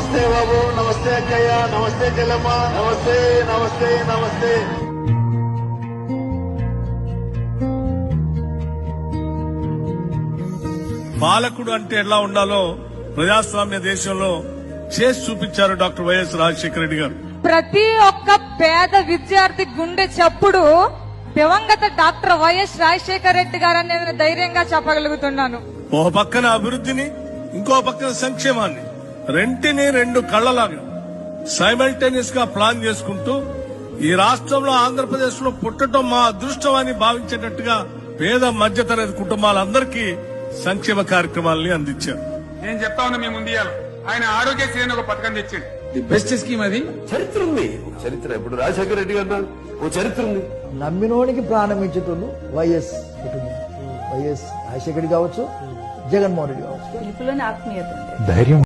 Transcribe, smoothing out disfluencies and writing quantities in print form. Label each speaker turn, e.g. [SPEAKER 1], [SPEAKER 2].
[SPEAKER 1] నమస్తే బాబు, నమస్తే అక్కయ్య, నమస్తే చెల్లమ్మ, నమస్తే నమస్తే నమస్తే.
[SPEAKER 2] పాలకుడు అంటే ఎలా ఉండాలో ప్రజాస్వామ్య దేశంలో చేసి చూపించారు డాక్టర్ వైఎస్ రాజశేఖర రెడ్డి గారు.
[SPEAKER 3] ప్రతి ఒక్క పేద విద్యార్థి గుండె చప్పుడు దివంగత డాక్టర్ వైఎస్ రాజశేఖర రెడ్డి గారు అనేది ధైర్యంగా చెప్పగలుగుతున్నాను.
[SPEAKER 2] ఓ పక్కన అభివృద్ధిని, ఇంకో పక్కన సంక్షేమాన్ని, రెంటిని రెండు కళ్లలాగా సైమల్టేనియస్ గా ప్లాన్ చేసుకుంటూ ఈ రాష్ట్రంలో ఆంధ్రప్రదేశ్ లో పుట్టడం మా అదృష్టం అని భావించేటట్టుగా పేద మధ్యతరగతి కుటుంబాలందరికీ సంక్షేమ కార్యక్రమాలని అందించారు.
[SPEAKER 4] నేను చెప్తా ఉన్నా మీ ముందు ఆయన ఆరోగ్యశ్రీ అని ఒక పథకం తెచ్చిండు.
[SPEAKER 5] ది బెస్ట్ స్కీమ్ అది.
[SPEAKER 1] చరిత్ర ఉంది, చరిత్ర. ఇప్పుడు రాజశేఖర రెడ్డి గారు ఓ చరిత్ర ఉంది.
[SPEAKER 6] నమ్మినోనికి ప్రాణం ఇచ్చేటోళ్ళు వైఎస్ కుటుంబం. వైఎస్ రాజశేఖర్ రెడ్డి కావచ్చు, జగన్మోహన్ రెడ్డి కావచ్చు.
[SPEAKER 7] పిలుపులోని ఆత్మీయత
[SPEAKER 6] ధైర్యం